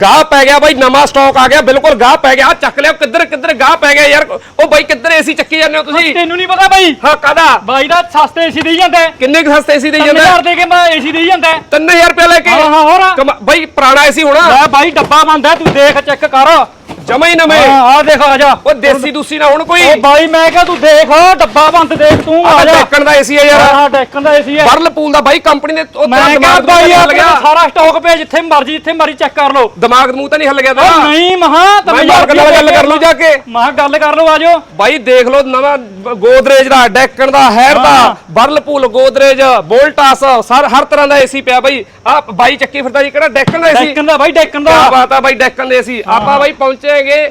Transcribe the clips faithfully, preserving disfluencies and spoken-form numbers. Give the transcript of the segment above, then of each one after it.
गाह पै गया भाई, नवा स्टॉक आ गया, बिल्कुल गाह पै गया। चक लिया किधर किधर गाह पै गया यार। ओ भाई किधर एसी चक्की जाने हो तुसी? ਤੈਨੂੰ ਨਹੀਂ ਪਤਾ ਬਾਈ? हां कादा ਬਾਈ ਦਾ ਸਸਤੇ ਏਸੀ ਦੇਈ ਜਾਂਦਾ। किन्ने क सस्ते एसी दे ਤਿੰਨ ਜਾਂਦਾ? ਹਜ਼ਾਰ ਦੇ ਕੇ ਮੈਂ ਏਸੀ ਦੇਈ ਜਾਂਦਾ। तीन हज़ार रुपया लेके? ਹਾਂ ਹਾਂ ਹੋਰ कमा- भाई पुराना एसी होना ਲੈ ਬਾਈ ਡੱਬਾ ਬੰਦ ਹੈ, ਤੂੰ ਦੇਖ ਚੈੱਕ ਕਰ। जमा ही नवे। ਹਾਂ ਆ ਦੇਖ ਆ ਜਾ। ओ देसी दूसी ना हुन कोई? ਓ ਬਾਈ ਮੈਂ ਕਿਹਾ ਤੂੰ ਦੇਖ ਡੱਬਾ ਬੰਦ ਦੇਖ ਤੂੰ ਆ ਜਾ। डेकन दा एसी है यार, ਹਾਂ ਡੈਕਨ ਦਾ ਏਸੀ ਹੈ। ਵਰਲਪੂਲ ਦਾ ਬਾਈ ਕੰਪਨੀ ਦੇ ਉਹ ਮੈਂ ਤੇਰਾ ਕਿਹਾ ਦਿਮਾਗ ਬਾਈ ਨਹੀਂ ਆ ਹਿੱਲ ਗਿਆ? ਸਾਰਾ ਸਟਾਕ ਪਿਆ, ਜਿੱਥੇ ਮਰਜੀ ਜਿੱਥੇ ਮਰਜੀ ਚੈੱਕ ਕਰ ਲਓ। ਦਿਮਾਗ ਮੂੰਹ ਤਾਂ ਨਹੀਂ ਹਿੱਲ ਗਿਆ ਓ ਤੇਰਾ? ਨਹੀਂ ਮਹਾ ਮੈਂ ਮਾਲਕ ਨਾਲ ਗੱਲ ਕਰ ਲੂ ਜਾ ਕੇ। ਮਹਾ ਗੱਲ ਕਰ ਲਓ, ਆ ਜਾਓ। ਬਾਈ ਦੇਖ ਲਓ ਨਵਾਂ ਗੋਦਰੇਜ ਦਾ, ਡੈਕਨ ਦਾ, ਹੈਰ ਦਾ, ਵਰਲਪੂਲ, ਗੋਦਰੇਜ, ਵੋਲਟਾਸ, ਸਰ ਹਰ ਤਰ੍ਹਾਂ ਦਾ ਏਸੀ ਪਿਆ ਬਾਈ। ਆ ਬਾਈ ਚੱਕੀ ਫਿਰਦਾ ਜੀ, ਕਿਹੜਾ ਡੈਕਨ ਦਾ ਏਸੀ? ਡੈਕਨ ਦਾ ਬਾਈ, ਡੈਕਨ ਦਾ। ਕੀ ਬਾਤ ਆ ਬਾਈ, ਡੈਕਨ ਦੇ ਏਸੀ। ਆਪਾਂ ਬਾਈ ਪਹੁੰਚੇਗੇ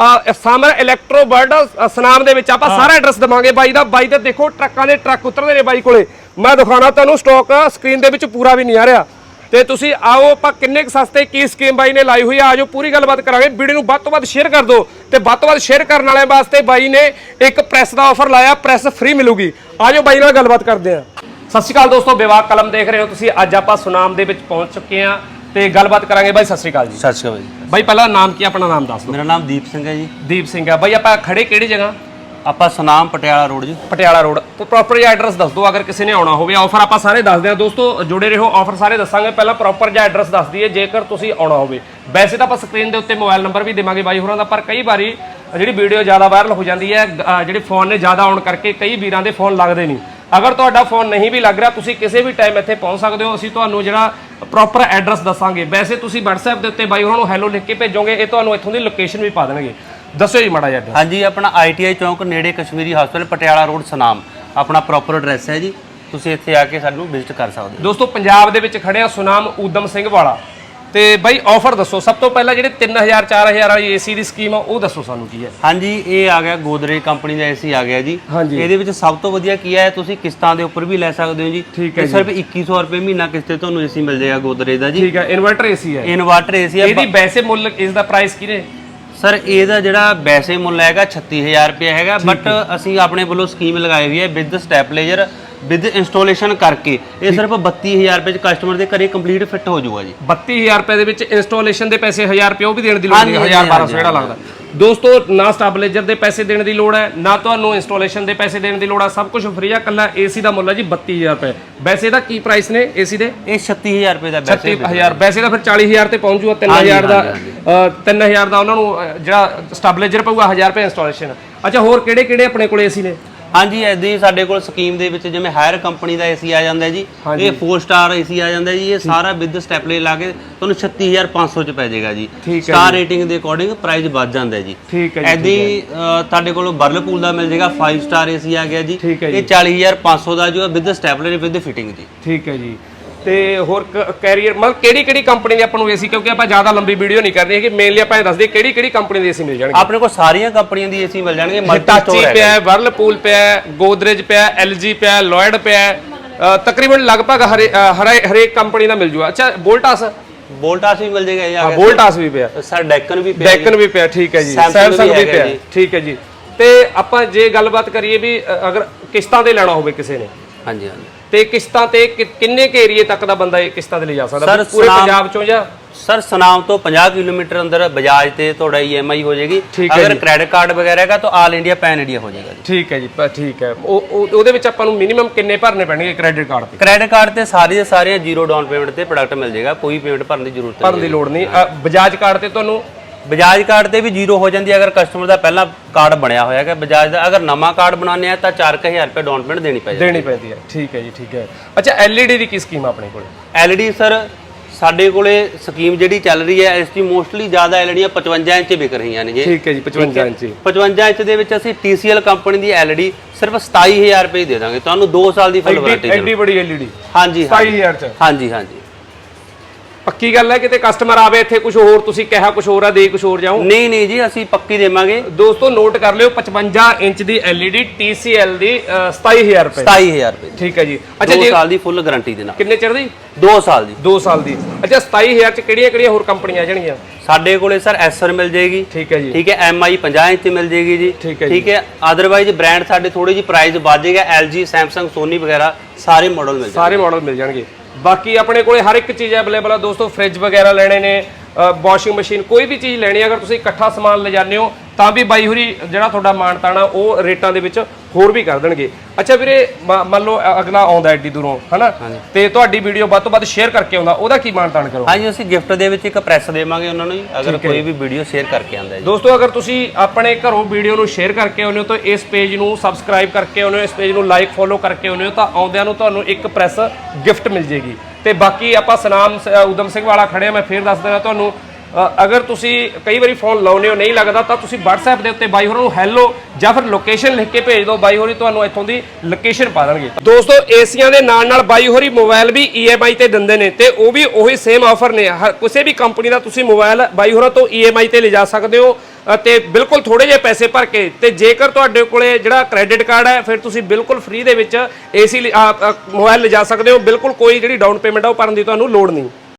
ਸਮਰ ਇਲੈਕਟ੍ਰੋ ਵਰਲਡ ਸਨਾਮ ਦੇ ਵਿੱਚ। ਆਪਾਂ ਸਾਰਾ ਐਡਰੈਸ ਦਵਾਂਗੇ ਬਾਈ ਦਾ। ਬਾਈ ਤੇ ਦੇਖੋ ਟਰੱਕਾਂ ਦੇ ਟਰੱਕ ਉਤਰਦੇ ਨੇ ਬਾਈ ਕੋਲੇ। ਮੈਂ ਦਿਖਾਣਾ ਤੁਹਾਨੂੰ ਸਟਾਕ ਸਕਰੀਨ ਦੇ ਵਿੱਚ ਪੂਰਾ ਵੀ ਨਹੀਂ ਆ ਰਿਹਾ। ਤੇ ਤੁਸੀਂ ਆਓ, ਆਪਾਂ ਕਿੰਨੇ ਕੁ ਸਸਤੇ ਕੀ ਸਕੀਮ ਬਾਈ ਨੇ ਲਾਈ ਹੋਈ ਆ, ਆਜੋ ਪੂਰੀ ਗੱਲਬਾਤ ਕਰਾਂਗੇ। ਵੀਡੀਓ ਨੂੰ ਵੱਧ ਤੋਂ ਵੱਧ ਸ਼ੇਅਰ ਕਰ ਦਿਓ ਤੇ ਵੱਧ ਤੋਂ ਵੱਧ ਸ਼ੇਅਰ ਕਰਨ ਵਾਲਿਆਂ ਵਾਸਤੇ ਬਾਈ ਨੇ ਇੱਕ ਪ੍ਰੈਸ ਦਾ ਆਫਰ ਲਾਇਆ, ਪ੍ਰੈਸ ਫ੍ਰੀ ਮਿਲੂਗੀ। ਆਜੋ ਬਾਈ ਨਾਲ ਗੱਲਬਾਤ ਕਰਦੇ ਆ। ਸਤਿ ਸ਼੍ਰੀ ਅਕਾਲ ਦੋਸਤੋ, ਵਿਵਾਹ ਕਲਮ ਦੇਖ ਰਹੇ ਹੋ ਤੁਸੀਂ। ਅੱਜ ਆਪਾਂ ਸੁਨਾਮ ਦੇ ਵਿੱਚ ਪਹੁੰਚ ਚੁੱਕੇ ਆ ਤੇ ਗੱਲਬਾਤ ਕਰਾਂਗੇ। ਬਾਈ ਸਤਿ ਸ਼੍ਰੀ ਅਕਾਲ ਜੀ। ਸਤਿ ਸ਼੍ਰੀ ਅਕਾਲ ਜੀ। ਬਾਈ ਪਹਿਲਾਂ ਨਾਮ ਕੀ, ਆਪਣਾ ਨਾਮ ਦੱਸ ਦਿਓ। ਮੇਰਾ ਨਾਮ ਦੀਪ ਸਿੰਘ ਹੈ ਜੀ। ਦੀਪ ਸਿੰਘ ਆ ਬਾਈ। ਆਪਾਂ ਖੜੇ ਕਿਹੜੀ ਜਗ੍ਹਾ? ਆਪਾਂ ਸੁਨਾਮ ਪਟਿਆਲਾ ਰੋਡ ਜੀ। ਪਟਿਆਲਾ ਰੋਡ। ਤੇ ਪ੍ਰੋਪਰ ਜਿਹਾ ਐਡਰੈਸ ਦੱਸ ਦਿਓ ਅਗਰ ਕਿਸੇ ਨੇ ਆਉਣਾ ਹੋਵੇ। ਆਫਰ ਆਪਾਂ ਸਾਰੇ ਦੱਸਦੇ ਆ ਦੋਸਤੋ, ਜੁੜੇ ਰਹੋ, ਆਫਰ ਸਾਰੇ ਦੱਸਾਂਗੇ। ਪਹਿਲਾਂ ਪ੍ਰੋਪਰ ਜਿਹਾ ਐਡਰੈਸ ਦੱਸ ਦਈਏ ਜੇਕਰ ਤੁਸੀਂ ਆਉਣਾ ਹੋਵੇ। ਵੈਸੇ ਤਾਂ ਆਪਾਂ ਸਕਰੀਨ ਦੇ ਉੱਤੇ ਮੋਬਾਈਲ ਨੰਬਰ ਵੀ ਦੇਵਾਂਗੇ ਬਾਈ ਹੋਰਾਂ ਦਾ, ਪਰ ਕਈ ਵਾਰੀ ਜਿਹੜੀ ਵੀਡੀਓ ਜ਼ਿਆਦਾ ਵਾਇਰਲ ਹੋ ਜਾਂਦੀ ਹੈ, ਜਿਹੜੇ ਫੋਨ ਨੇ ਜ਼ਿਆਦਾ ਆਉਣ ਕਰਕੇ ਕਈ ਵੀਰਾਂ ਦੇ ਫੋਨ ਲੱਗਦੇ ਨਹੀਂ। ਅਗਰ ਤੁਹਾਡਾ ਫੋਨ ਨਹੀਂ ਵੀ ਲੱਗ ਰਿਹਾ, ਤੁਸੀਂ ਕਿਸੇ ਵੀ ਟਾਈਮ ਇੱਥੇ ਪਹੁੰਚ ਸਕਦੇ ਹੋ। ਅਸੀਂ ਤੁਹਾਨੂੰ ਜਿਹੜਾ ਪ੍ਰੋਪਰ ਐਡਰੈਸ ਦੱਸਾਂਗੇ। ਵੈਸੇ ਤੁਸੀਂ WhatsApp ਦੇ ਉੱਤੇ ਬਾਈ ਹੋਰਾਂ ਨੂੰ ਹੈਲੋ ਲਿਖ ਕੇ ਭੇਜੋਗੇ, ਇਹ ਤੁਹਾਨੂੰ ਇੱਥੋਂ ਦੀ ਲੋਕੇਸ਼ਨ ਵੀ ਪਾ ਦੇਣਗੇ। ਦੱਸੋ ਜੀ ਮਾੜਾ ਜਿਹਾ। ਹਾਂਜੀ, ਆਪਣਾ ਆਈਟੀਆਈ ਚੌਂਕ ਨੇੜੇ ਕਸ਼ਮੀਰੀ ਹਸਪਤਾਲ ਪਟਿਆਲਾ ਰੋਡ ਸੁਨਾਮ ਆਪਣਾ ਪ੍ਰੋਪਰ ਐਡਰੈਸ ਹੈ ਜੀ। ਤੁਸੀਂ ਇੱਥੇ ਆ ਕੇ ਸਾਨੂੰ ਵਿਜ਼ਿਟ ਕਰ ਸਕਦੇ ਹੋ। ਦੋਸਤੋ ਪੰਜਾਬ ਦੇ ਵਿੱਚ ਖੜੇ ਆ ਸੁਨਾਮ ਊਧਮ ਸਿੰਘ ਵਾਲਾ। ਤੇ ਬਾਈ ਆਫਰ ਦੱਸੋ ਸਭ ਤੋਂ ਪਹਿਲਾਂ, ਜਿਹੜੇ ਤਿੰਨ ਹਜ਼ਾਰ ਚਾਰ ਹਜ਼ਾਰ ਵਾਲੀ ਏਸੀ ਦੀ ਸਕੀਮ ਆ ਉਹ ਦੱਸੋ ਸਾਨੂੰ ਕੀ ਹੈ। ਹਾਂਜੀ, ਇਹ ਆ ਗਿਆ ਗੋਦਰੇਜ ਕੰਪਨੀ ਦਾ ਏਸੀ ਆ ਗਿਆ ਜੀ। ਇਹਦੇ ਵਿੱਚ ਸਭ ਤੋਂ ਵਧੀਆ ਕੀ ਹੈ, ਤੁਸੀਂ ਕਿਸ਼ਤਾਂ ਦੇ ਉੱਪਰ ਵੀ ਲੈ ਸਕਦੇ ਹੋ ਜੀ। ਠੀਕ ਹੈ। ਸਿਰਫ ਇੱਕੀ ਸੌ ਰੁਪਏ ਮਹੀਨਾ ਕਿਸ਼ਤ ਤੇ ਤੁਹਾਨੂੰ ਏਸੀ ਮਿਲ ਜਾਏਗਾ ਗੋਦਰੇਜ ਦਾ ਜੀ। ਠੀਕ ਹੈ। ਇਨਵਰਟਰ ਏਸੀ ਹੈ, ਇਨਵਰਟਰ ਏਸੀ ਹੈ। ਇਹਦੀ ਵੈਸੇ ਮੁੱਲ ਇਸ ਦਾ ਪ੍ਰਾਈਸ ਕੀ ਨੇ? ਸਰ ਇਹਦਾ ਜਿਹੜਾ ਵੈਸੇ ਮੁੱਲ ਹੈਗਾ ਛੱਤੀ ਹਜ਼ਾਰ ਰੁਪਏ ਹੈਗਾ, ਬਟ ਅਸੀਂ ਆਪਣੇ ਵੱਲੋਂ ਸਕੀਮ ਲਗਾਈ ਹੋਈ ਹੈ ਵਿਦ ਸਟੈਪਲੇਜਰ ਵਿਦ ਇੰਸਟਾਲੇਸ਼ਨ ਕਰਕੇ। ਇਹ ਸਿਰਫ ਬੱਤੀ ਹਜ਼ਾਰ ਰੁਪਏ ਚ ਕਸਟਮਰ ਦੇ ਘਰੇ ਕੰਪਲੀਟ ਫਿੱਟ ਹੋ ਜਾਊਗਾ ਜੀ। ਬੱਤੀ ਹਜ਼ਾਰ ਰੁਪਏ ਦੇ ਵਿੱਚ ਇੰਸਟਾਲੇਸ਼ਨ ਦੇ ਪੈਸੇ ਹਜ਼ਾਰ ਰੁਪਏ ਉਹ ਵੀ ਦੇਣ ਦੀ ਲੋੜ ਨਹੀਂ, ਹਜ਼ਾਰ ਬਾਰਾਂ ਸੌ ਜਿਹੜਾ ਲੱਗਦਾ। ਦੋਸਤੋ ਨਾ ਸਟੈਬਲਾਈਜ਼ਰ ਦੇ ਪੈਸੇ ਦੇਣ ਦੀ ਲੋੜ ਹੈ, ਨਾ ਤੁਹਾਨੂੰ ਇੰਸਟਾਲੇਸ਼ਨ ਦੇ ਪੈਸੇ ਦੇਣ ਦੀ ਲੋੜ ਹੈ, ਸਭ ਕੁਝ ਫ੍ਰੀ ਆ। ਕੱਲਾ ਏਸੀ ਦਾ ਮੁੱਲ ਹੈ ਜੀ ਬੱਤੀ ਹਜ਼ਾਰ ਰੁਪਏ। ਵੈਸੇ ਦਾ ਕੀ ਪ੍ਰਾਈਸ ਨੇ ਏਸੀ ਦੇ? ਇਹ ਛੱਤੀ ਹਜ਼ਾਰ ਰੁਪਏ ਦਾ ਛੱਤੀ ਹਜ਼ਾਰ। ਵੈਸੇ ਤਾਂ ਫਿਰ ਚਾਲੀ ਹਜ਼ਾਰ ਤੇ ਪਹੁੰਚ ਜੂਗਾ। ਤਿੰਨ ਹਜ਼ਾਰ ਦਾ ਤਿੰਨ ਹਜ਼ਾਰ ਦਾ ਉਹਨਾਂ ਨੂੰ ਜਿਹੜਾ ਸਟੈਬਲਾਈਜ਼ਰ ਪਊਗਾ, ਹਜ਼ਾਰ ਰੁਪਏ ਇੰਸਟਾਲੇਸ਼ਨ। ਅੱਛਾ, ਹੋਰ ਕਿਹੜੇ ਕਿਹੜੇ ਆਪਣੇ ਕੋਲ ਏਸੀ ਨੇ? ਹਾਂਜੀ, ਐਦਾਂ ਹੀ ਸਾਡੇ ਕੋਲ ਸਕੀਮ ਦੇ ਵਿੱਚ ਜਿਵੇਂ ਹਾਇਰ ਕੰਪਨੀ ਦਾ ਏਸੀ ਆ ਜਾਂਦਾ ਜੀ, ਇਹ ਫੋਰ ਸਟਾਰ ਏਸੀ ਆ ਜਾਂਦਾ ਜੀ। ਇਹ ਸਾਰਾ ਵਿਦ ਸਟੈਪਲੇ ਲਾ ਕੇ ਤੁਹਾਨੂੰ ਛੱਤੀ ਹਜ਼ਾਰ ਪੰਜ ਸੌ ਚ ਪੈ ਜਾਏਗਾ ਜੀ। ਸਟਾਰ ਰੇਟਿੰਗ ਦੇ ਅਕੋਰਡਿੰਗ ਪ੍ਰਾਈਸ ਵੱਧ ਜਾਂਦਾ ਜੀ। ਠੀਕ ਹੈ ਜੀ। ਐਦਾਂ ਹੀ ਤੁਹਾਡੇ ਕੋਲ ਵਰਲਪੂਲ ਦਾ ਮਿਲ ਜਾਏਗਾ, ਫਾਈਵ ਸਟਾਰ ਏਸੀ ਆ ਗਿਆ ਜੀ। ਠੀਕ ਹੈ ਜੀ। ਇਹ ਚਾਲੀ ਹਜ਼ਾਰ ਪੰਜ ਸੌ ਦਾ ਜੋ ਵਿਦ ਸਟੈਪਲਰ ਵਿਦ ਫਿਟਿੰਗ ਜੀ। ਠੀਕ ਹੈ ਜੀ। ਤੇ ਹੋਰ ਕੈਰੀਅਰ ਮਤਲਬ ਕਿਹੜੀ ਕਿਹੜੀ ਕੰਪਨੀ ਦੇ ਆਪਾਂ ਨੂੰ ਏਸੀ, ਕਿਉਂਕਿ ਆਪਾਂ ਜ਼ਿਆਦਾ ਲੰਬੀ ਵੀਡੀਓ ਨਹੀਂ ਕਰਨੀ ਹੈਗੀ, ਮੇਨਲੀ ਆਪਾਂ ਇਹ ਦੱਸਦੇ ਕਿਹੜੀ ਕਿਹੜੀ ਕੰਪਨੀ ਦੇ ਏਸੀ ਮਿਲ ਜਾਣਗੇ। ਆਪਣੇ ਕੋਲ ਸਾਰੀਆਂ ਕੰਪਨੀਆਂ ਦੀ ਏਸੀ ਮਿਲ ਜਾਣਗੇ। ਹਿਟਾਚੀ ਪਿਆ ਹੈ, ਵਰਲਪੂਲ ਪਿਆ ਹੈ, ਗੋਦਰੇਜ ਪਿਆ ਹੈ, ਐਲਜੀ ਪਿਆ ਹੈ, ਲੋਇਡ ਪਿਆ ਹੈ, ਤਕਰੀਬਨ ਲਗਭਗ ਹਰੇ ਹਰੇਕ ਕੰਪਨੀ ਦਾ ਮਿਲ ਜੂਗਾ। ਅੱਛਾ, ਵੋਲਟਾਸ ਵੋਲਟਾਸ ਵੀ ਮਿਲ ਜਾਏਗਾ। ਹਾਂ, ਵੋਲਟਾਸ ਵੀ ਪਿਆ, ਸਰ ਡੈਕਨ ਵੀ ਪਿਆ, ਡੈਕਨ ਵੀ ਪਿਆ। ਠੀਕ ਹੈ ਜੀ। ਸੈਮਸੰਗ ਵੀ ਪਿਆ। ਠੀਕ ਹੈ ਜੀ। ਤੇ ਆਪਾਂ ਜੇ ਗੱਲਬਾਤ ਕਰੀਏ ਵੀ ਅਗਰ ਕਿਸ਼ਤਾਂ ਤੇ ਲੈਣਾ ਹੋਵੇ ਕਿਸੇ ਨੇ, ਹਾਂਜੀ ਹਾਂਜੀ, ਤੇ ਕਿਸ਼ਤਾਂ ਤੇ ਕਿੰਨੇ ਕੇ ਏਰੀਏ ਤੱਕ ਦਾ ਬੰਦਾ ਇਹ ਕਿਸ਼ਤਾਂ ਤੇ ਲੈ ਜਾ ਸਕਦਾ ਪੂਰੇ ਪੰਜਾਬ ਚੋਂ? ਜਾਂ ਸਰ ਸੁਨਾਮ ਤੋਂ ਪੰਜਾਹ ਕਿਲੋਮੀਟਰ ਅੰਦਰ ਬਜਾਜ ਤੇ ਤੁਹਾਡਾ ਈਐਮਆਈ ਹੋ ਜਾਏਗੀ। ਅਗਰ ਕ੍ਰੈਡਿਟ ਕਾਰਡ ਵਗੈरह ਹੈਗਾ ਤਾਂ ਆਲ ਇੰਡੀਆ ਪੈਨ ਇੰਡੀਆ ਹੋ ਜਾਏਗਾ ਜੀ। ਠੀਕ ਹੈ ਜੀ। ਠੀਕ ਹੈ। ਉਹ ਉਹਦੇ ਵਿੱਚ ਆਪਾਂ ਨੂੰ ਮਿਨੀਮਮ ਕਿੰਨੇ ਭਰਨੇ ਪੈਣਗੇ ਕ੍ਰੈਡਿਟ ਕਾਰਡ ਤੇ? ਕ੍ਰੈਡਿਟ ਕਾਰਡ ਤੇ ਸਾਰੀ ਦੇ ਸਾਰੀਆਂ ਜ਼ੀਰੋ ਡਾਊਨ ਪੇਮੈਂਟ ਤੇ ਪ੍ਰੋਡਕਟ ਮਿਲ ਜਾਏਗਾ, ਕੋਈ ਪੇਮੈਂਟ ਭਰਨ ਦੀ ਜ਼ਰੂਰਤ ਭਰਨ ਦੀ ਲੋੜ ਨਹੀਂ। ਬਜਾਜ ਕਾਰਡ ਤੇ ਤੁਹਾਨੂੰ ਬਜਾਜ ਕਾਰਡ ਤੇ ਵੀ ਜ਼ੀਰੋ ਹੋ ਜਾਂਦੀ ਹੈ ਅਗਰ ਕਸਟਮਰ ਦਾ ਪਹਿਲਾਂ ਕਾਰਡ ਬਣਿਆ ਹੋਇਆ ਹੈ ਬਜਾਜ ਦਾ। ਅਗਰ ਨਵਾਂ ਕਾਰਡ ਬਣਾਉਣੇ ਆ ਤਾਂ ਚਾਰ ਹਜ਼ਾਰ ਰੁਪਏ ਡਾਊਨ ਪੇਮੈਂਟ ਦੇਣੀ ਪੈਂਦੀ ਦੇਣੀ ਪੈਂਦੀ ਹੈ। ਠੀਕ ਹੈ ਜੀ। ਠੀਕ ਹੈ। ਅੱਛਾ, ਐਲਈਡੀ ਦੀ ਕੀ ਸਕੀਮ ਆ ਆਪਣੇ ਕੋਲ? ਐਲਈਡੀ ਸਰ ਸਾਡੇ ਕੋਲੇ ਸਕੀਮ ਜਿਹੜੀ ਚੱਲ ਰਹੀ ਹੈ ਇਸ ਦੀ ਮੋਸਟਲੀ ਜ਼ਿਆਦਾ ਐਲਈਡੀਆਂ ਪਚਵੰਜਾ ਇੰਚ ਵਿਕ ਰਹੀਆਂ ਨੇ ਜੀ। ਠੀਕ ਹੈ ਜੀ। ਪਚਵੰਜਾ ਇੰਚ ਪਚਵੰਜਾ ਇੰਚ ਦੇ ਵਿੱਚ ਅਸੀਂ ਟੀਸੀਐਲ ਕੰਪਨੀ ਦੀ ਐਲਈਡੀ ਸਿਰਫ ਸਤਾਈ ਹਜ਼ਾਰ ਰੁਪਏ ਦੇ ਦਾਂਗੇ ਤੁਹਾਨੂੰ, ਦੋ ਸਾਲ ਦੀ ਫੁੱਲ ਵਾਰੰਟੀ। ਐਡੀ ਬੜੀ ਐਲਈਡੀ ਹਾਂਜੀ ਸਤਾਈ ਹਜ਼ਾਰ ਚ? ਹਾਂਜੀ ਹਾਂਜੀ, ਪੱਕੀ ਗੱਲ ਹੈ? ਕਿਤੇ ਕਸਟਮਰ ਆਵੇ ਇੱਥੇ ਕੁਝ ਹੋਰ ਤੁਸੀਂ ਕਿਹਾ ਕੁਝ ਹੋਰ ਆ ਦੇ ਕੁਝ ਹੋਰ ਜਾਓ? ਨਹੀਂ ਨਹੀਂ ਜੀ, ਅਸੀਂ ਪੱਕੀ ਦੇਵਾਂਗੇ। ਦੋਸਤੋ ਨੋਟ ਕਰ ਲਿਓ, ਪਚਵੰਜਾ ਇੰਚ ਦੀ ਐਲਈਡੀ ਟੀਸੀਐਲ ਦੀ ਸਤਾਈ ਹਜ਼ਾਰ ਰੁਪਏ। ਸਤਾਈ ਹਜ਼ਾਰ ਰੁਪਏ। ਠੀਕ ਹੈ ਜੀ। ਅੱਛਾ, ਦੋ ਸਾਲ ਦੀ ਫੁੱਲ ਗਾਰੰਟੀ ਦੇ ਨਾਲ। ਕਿੰਨੇ ਚਿਰ ਦੀ? ਦੋ ਸਾਲ ਦੀ। ਦੋ ਸਾਲ ਦੀ। ਅੱਛਾ, ਸਤਾਈ ਹਜ਼ਾਰ ਚ ਕਿਹੜੀਆਂ ਕਿਹੜੀਆਂ ਹੋਰ ਕੰਪਨੀਆਂ ਆ ਜਾਣਗੀਆਂ? ਸਾਡੇ ਕੋਲੇ ਸਰ ਐਸਰ ਮਿਲ ਜਾਏਗੀ। ਠੀਕ ਹੈ ਜੀ। ਠੀਕ ਹੈ। ਐਮਆਈ ਪੰਜਾਹ ਇੰਚ ਮਿਲ ਜਾਏਗੀ ਜੀ। ਠੀਕ ਹੈ। ਠੀਕ ਹੈ। ਅਦਰਵਾਈਜ਼ ਬ੍ਰਾਂਡ ਸਾਡੇ ਥੋੜੀ ਜਿਹੀ ਪ੍ਰਾਈਸ ਵੱਧ ਜਾਏਗਾ, ਐਲਜੀ, ਸੈਮਸੰਗ, ਸੋਨੀ ਵਗੈरह ਸਾਰੇ ਮਾਡਲ ਮਿਲ ਜਾਣਗੇ। ਸਾਰੇ ਮਾਡਲ ਮਿਲ ਜਾਣਗੇ। ਬਾਕੀ ਆਪਣੇ ਕੋਲੇ ਹਰ ਇੱਕ ਚੀਜ਼ ਅਵੇਲੇਬਲ ਆ ਦੋਸਤੋ। ਫ੍ਰਿਜ ਵਗੈਰਾ ਲੈਣੇ ਨੇ, ਵਾਸ਼ਿੰਗ ਮਸ਼ੀਨ ਕੋਈ ਵੀ ਚੀਜ਼ ਲੈਣੀ ਅਗਰ ਤੁਸੀਂ ਇਕੱਠਾ ਸਮਾਨ ਲੈ ਜਾਂਦੇ ਹੋ ਤਾਂ ਵੀ ਬਾਈ ਹੋਰੀ ਜਿਹੜਾ ਤੁਹਾਡਾ ਮਾਣ ਤਾਣਾ ਉਹ ਰੇਟਾਂ ਦੇ ਵਿੱਚ ਹੋਰ ਵੀ ਕਰ ਦੇਣਗੇ। ਅੱਛਾ ਵੀਰੇ ਮੰਨ ਲਓ ਅਗਲਾ ਆਉਂਦਾ ਐਡੀ ਦੂਰੋਂ ਹਨਾ ਤੇ ਤੁਹਾਡੀ ਵੀਡੀਓ ਵੱਧ ਤੋਂ ਵੱਧ ਸ਼ੇਅਰ ਕਰਕੇ ਆਉਂਦਾ ਉਹਦਾ ਕੀ ਮਾਣ ਤਾਣ ਕਰੋ? ਹਾਂਜੀ ਅਸੀਂ ਗਿਫਟ ਦੇ ਵਿੱਚ ਇੱਕ ਪ੍ਰੈਸ ਦੇਵਾਂਗੇ ਉਹਨਾਂ ਨੂੰ ਅਗਰ ਕੋਈ ਵੀ ਵੀਡੀਓ ਸ਼ੇਅਰ ਕਰਕੇ ਆਉਂਦਾ ਜੀ। ਦੋਸਤੋ ਅਗਰ ਤੁਸੀਂ ਆਪਣੇ ਘਰੋਂ ਵੀਡੀਓ ਨੂੰ ਸ਼ੇਅਰ ਕਰਕੇ ਆਉਂਦੇ ਹੋ ਤਾਂ ਇਸ ਪੇਜ ਨੂੰ ਸਬਸਕ੍ਰਾਈਬ ਕਰਕੇ ਆਉਂਦੇ ਹੋ, ਇਸ ਪੇਜ ਨੂੰ ਲਾਈਕ ਫੋਲੋ ਕਰਕੇ ਆਉਂਦੇ ਹੋ ਤਾਂ ਆਉਂਦਿਆਂ ਨੂੰ ਤੁਹਾਨੂੰ ਇੱਕ ਪ੍ਰੈਸ ਗਿਫਟ ਮਿਲ ਜੇਗੀ। ਤੇ ਬਾਕੀ ਆਪਾਂ ਸਨਾਮ ਉਦਮ ਸਿੰਘ ਵਾਲਾ ਖੜੇ ਆ, ਮੈਂ ਫੇਰ ਦੱਸ ਦਿੰਦਾ ਤੁਹਾਨੂੰ ਅਗਰ ਤੁਸੀਂ ਕਈ ਵਾਰੀ ਫੋਨ ਲਾਉਨੇ ਹੋ ਨਹੀਂ ਲੱਗਦਾ ਤਾਂ ਤੁਸੀਂ WhatsApp ਦੇ ਉੱਤੇ ਬਾਈ ਹੋਰਾਂ ਨੂੰ ਹੈਲੋ ਜਾਂ ਫਿਰ ਲੋਕੇਸ਼ਨ ਲਿਖ ਕੇ ਭੇਜ ਦਿਓ, ਬਾਈ ਹੋਰੀ ਤੁਹਾਨੂੰ ਇੱਥੋਂ ਦੀ ਲੋਕੇਸ਼ਨ ਪਾ ਦੇਣਗੇ। ਦੋਸਤੋ ਏਸੀਆਂ ਦੇ ਨਾਲ ਨਾਲ ਬਾਈ ਹੋਰੀ mobile we E M I ਤੇ ਦਿੰਦੇ ਨੇ ਤੇ ਉਹ ਵੀ ਉਹੀ ਸੇਮ ਆਫਰ ਨੇ। ਕਿਸੇ ਵੀ ਕੰਪਨੀ ਦਾ ਤੁਸੀਂ ਮੋਬਾਈਲ ਬਾਈ ਹੋਰਾਂ ਤੋਂ ਈ ਐਮ ਆਈ ਤੇ ਲਿਜਾ ਸਕਦੇ ਹੋ ਤੇ ਬਿਲਕੁਲ ਥੋੜੇ ਜਿਹੇ ਪੈਸੇ ਭਰ ਕੇ। ਤੇ ਜੇਕਰ ਤੁਹਾਡੇ ਕੋਲੇ ਜਿਹੜਾ ਕ੍ਰੈਡਿਟ ਕਾਰਡ ਹੈ ਫਿਰ ਤੁਸੀਂ ਬਿਲਕੁਲ ਫ੍ਰੀ ਦੇ ਵਿੱਚ ਏਸੀ ਮੋਬਾਈਲ ਲਿਜਾ ਸਕਦੇ ਹੋ, ਬਿਲਕੁਲ ਕੋਈ ਜਿਹੜੀ ਡਾਊਨ ਪੇਮੈਂਟ ਆ ਉਹ ਭਰਨ ਦੀ ਤੁਹਾਨੂੰ ਲੋੜ ਨਹੀਂ।